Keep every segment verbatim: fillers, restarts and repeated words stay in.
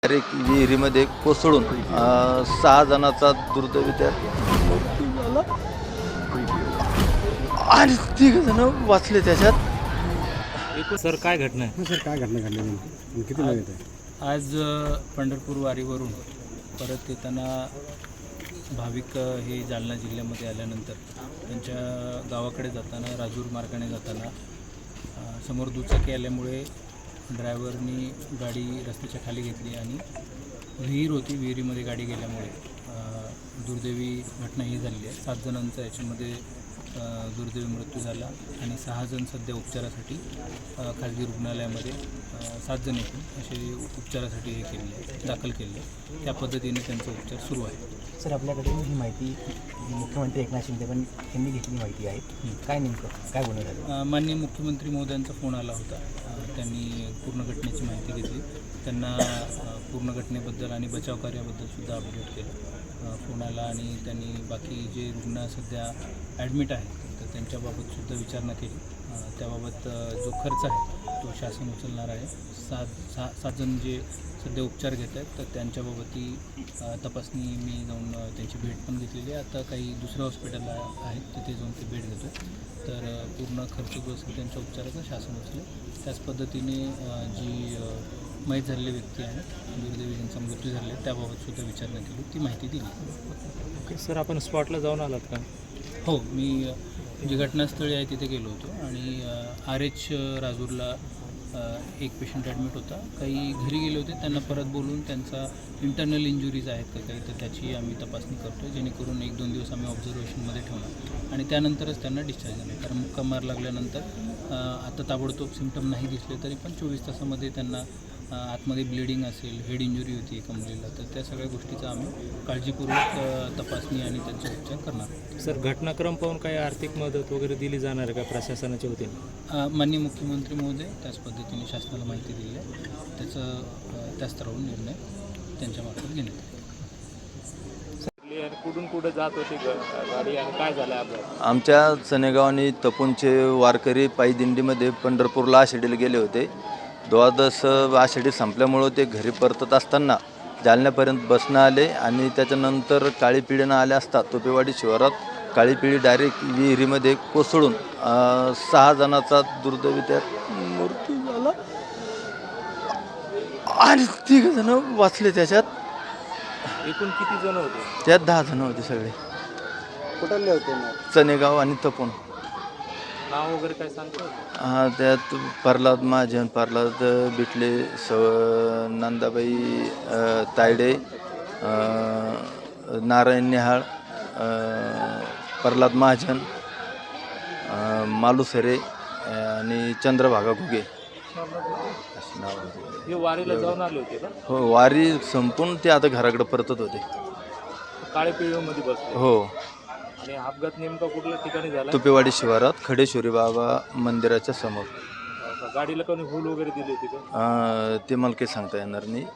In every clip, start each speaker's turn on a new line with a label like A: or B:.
A: Direct विहिरीमध्ये कोसळून अ, सहा जणांचा दुर्दैवी त्यात मृत्यू झाला आणि तिघ जण वाचले त्याच्यात.
B: एकूण सर काय घटना आहे?
C: सर काय घटना घडली नेमकी किती वेळ येते?
B: आज अ, पंढरपूर वारीवरून परत येताना भाविक अ, हे जालना जिल्ह्यामध्ये आल्यानंतर त्यांच्या गावाकडे जाताना राजूर मार्गाने जाताना अ, समोर दुचाकी आल्यामुळे ड्रायव्हरनी गाडी रस्त्याच्या खाली घेतली आणि विहीर होती, विहिरीमध्ये गाडी गेल्यामुळे अ, दुर्दैवी घटना ही झालेली आहे. सात जणांचा याच्यामध्ये अ, दुर्दैवी मृत्यू झाला आणि सहा जण सध्या उपचारासाठी अ, खाजगी रुग्णालयामध्ये अ, सात जण एकूण असे उपचारासाठी हे केलेले आहे, दाखल केले आहे. त्या पद्धतीने त्यांचा उपचार सुरू आहे.
D: सर, आपल्याकडे ही माहिती मुख्यमंत्री एकनाथ शिंदे पण यांनी घेतली माहिती आहे. काय नेमकं काय बोलणं झालं?
B: अ, माननीय मुख्यमंत्री महोदयांचा फोन आला होता. अ, त्यांनी पूर्ण घटनेची माहिती घेतली, त्यांना अ, पूर्ण घटनेबद्दल आणि बचाव कार्याबद्दल सुद्धा अपडेट केलं. अ, फोन आला आणि त्यांनी बाकी जे रुग्ण सध्या ॲडमिट आहेत तर त्यांच्याबाबत सुद्धा विचारणा केली. अ, त्याबाबत अ, जो खर्च आहे तो शासन उचलणार आहे. सात सहा सात जण जे सध्या उपचार घेत आहेत तर त्यांच्याबाबतही अ, तपासणी मी जाऊन अ, त्यांची भेट पण घेतलेली आहे. आता काही दुसऱ्या हॉस्पिटलला आहेत तिथे जाऊन ते भेट घेतो. तर अ, पूर्ण खर्च जो असेल त्यांच्या उपचाराचा शासन उचलेल. त्याच पद्धतीने अ, जी अ, मयत झालेली व्यक्ती आहे, दुर्दैवी ज्यांचा मृत्यू झालेला आहे त्याबाबत सुद्धा विचारणा केली, ती माहिती दिली.
E: ओके सर, आपण स्पॉटला जाऊन आलात का?
B: हो, मी अ, जी घटनास्थळी आहे तिथे गेलो होतो आणि आर एच राजूरला अ, एक पेशंट ॲडमिट होता. काही घरी गेले होते, त्यांना परत बोलून त्यांचा इंटरनल इंजुरीज आहेत का काही तर त्याची आम्ही तपासणी करतो, जेणेकरून एक दोन दिवस आम्ही ऑब्झर्वेशनमध्ये ठेवणार आणि त्यानंतरच त्यांना डिस्चार्ज देणार. कारण मुक्का मार लागल्यानंतर अ, आता ताबडतोब सिम्पटम नाही दिसले तरी पण चोवीस तासामध्ये त्यांना अ, आतमध्ये ब्लिडिंग असेल, हेड इंजुरी होती एका मुलीला, तर त्या सगळ्या गोष्टीचा आम्ही काळजीपूर्वक अ, तपासणी आणि त्यांचे उपचार करणार.
E: सर, घटनाक्रम पाहून काही आर्थिक मदत वगैरे दिली जाणार आहे का प्रशासनाच्या वतीने?
B: अ, माननीय मुख्यमंत्री महोदय त्याच पद्धतीने शासनाला माहिती दिली आहे. त्याचं अ, त्या स्तरावरून निर्णय त्यांच्यामार्फत घेण्यात येईल.
E: कुठून कुठं जात होती गाडी आणि काय झालं अपघात?
A: आमच्या चनेगाव आणि तपोनचे वारकरी पायी दिंडीमध्ये पंढरपूरला आषाढीला गेले होते. द्वादश आषाढी संपल्यामुळं ते घरी परतत असताना जालन्यापर्यंत बसणं आले आणि त्याच्यानंतर काळी पिढीनं आले असता तोपेवाडी शिवारात काळी पिढी डायरेक्ट विहिरीमध्ये कोसळून अ, सहा जणांचा दुर्दैवी त्यात मृत्यू झाला आणि तिघ जण वाचले त्याच्यात.
E: एकूण किती जण होते?
A: त्यात दहा जण होते सगळे,
C: कुठले होते मग?
A: चनेगाव आणि तपोन.
E: नाव वगैरे काय सांगतो?
A: हा, त्यात प्रल्हाद महाजन, प्रल्हाद बिटले, स नंदाबाई अ, तायडे, अ, नारायण निहाळ, अ, प्रल्हाद महाजन, अ, मालुसरे आणि चंद्रभागा घुगे अशी नाव होती.
E: हे वारीला जाऊन आले होते का?
A: हो, वारी संपून ते आता घराकडे परतत होते.
E: काळे पिळीमध्ये बसले.
A: हो,
E: आणि अपघात नेमका कुठल्या ठिकाणी झाला?
A: तुपेवाडी शिवारात खडेश्वरी बाबा मंदिराच्या समोर.
E: गाडीला कोणी हुल वगैरे दिली होती का?
A: अ, ते मला काही सांगता येणार नाही.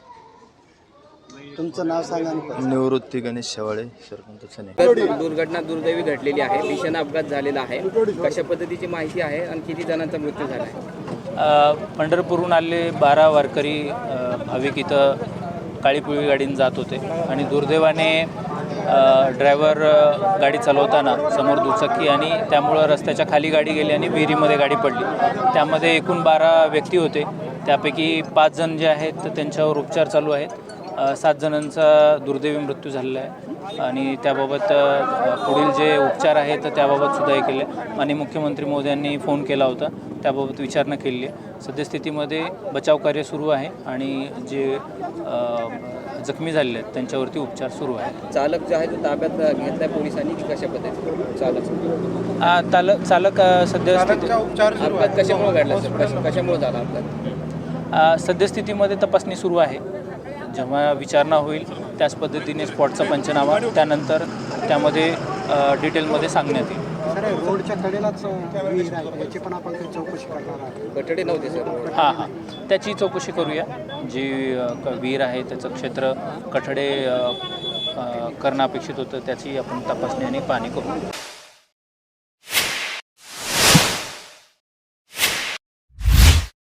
C: तुमचं नाव सांगा आणि
A: निवृत्ती गणेश शेवाळे, सरपंच चने.
F: दुर्घटना दुर्दैवी घडलेली आहे. भीषण अपघात झालेला आहे. कशा पद्धतीची माहिती आहे आणि किती जणांचा मृत्यू झाला आहे?
B: अ, पंढरपूरहून आलेले बारा वारकरी अ, भाविक इथं काळी पिवळी गाडीने जात होते आणि दुर्दैवाने ड्रायव्हर गाडी चालवताना समोर दुचाकी आणि त्यामुळं रस्त्याच्या खाली गाडी गेली आणि विहिरीमध्ये गाडी पडली. त्यामध्ये एकूण बारा व्यक्ती होते, त्यापैकी पाच जण जे आहेत तर त्यांच्यावर उपचार चालू आहेत. अ, सात जणांचा दुर्दैवी मृत्यू झालेला आहे आणि त्याबाबत अ, पुढील जे उपचार आहेत तर त्याबाबत सुद्धा हे केले. आणि मुख्यमंत्री महोदयांनी फोन केला होता, त्याबाबत विचारणा केलेली आहे. सद्यस्थितीमध्ये बचाव कार्य सुरू आहे आणि जे अ, जखमी झालेले आहेत त्यांच्यावरती उपचार सुरू आहेत.
F: चालक जो आहे तो ताब्यात घेतलाय पोलिसांनी की कशा पद्धतीने? चालक
B: आ, चालक चालक अ, सद्यस्थिती
F: अपघात कशामुळे घडला सर? कशा कशामुळे झाला अपघात?
B: अ, सद्यस्थितीमध्ये तपासणी सुरू आहे. जेव्हा विचारणा होईल त्याच पद्धतीने स्पॉटचा पंचनामा त्यानंतर त्यामध्ये अ, डिटेलमध्ये सांगण्यात येईल.
C: सर, रोडच्या कडेलाच विहीर आहे, याची पण आपण काही चौकशी करणार आहोत.
F: कठडे नव्हते सर?
B: हां हां त्याची चौकशी करूया. जी अ, क- विहीर आहे त्याचं क्षेत्र कठडे अ, अ, करणं अपेक्षित होतं त्याची आपण तपासणी आणि पाहणी करू.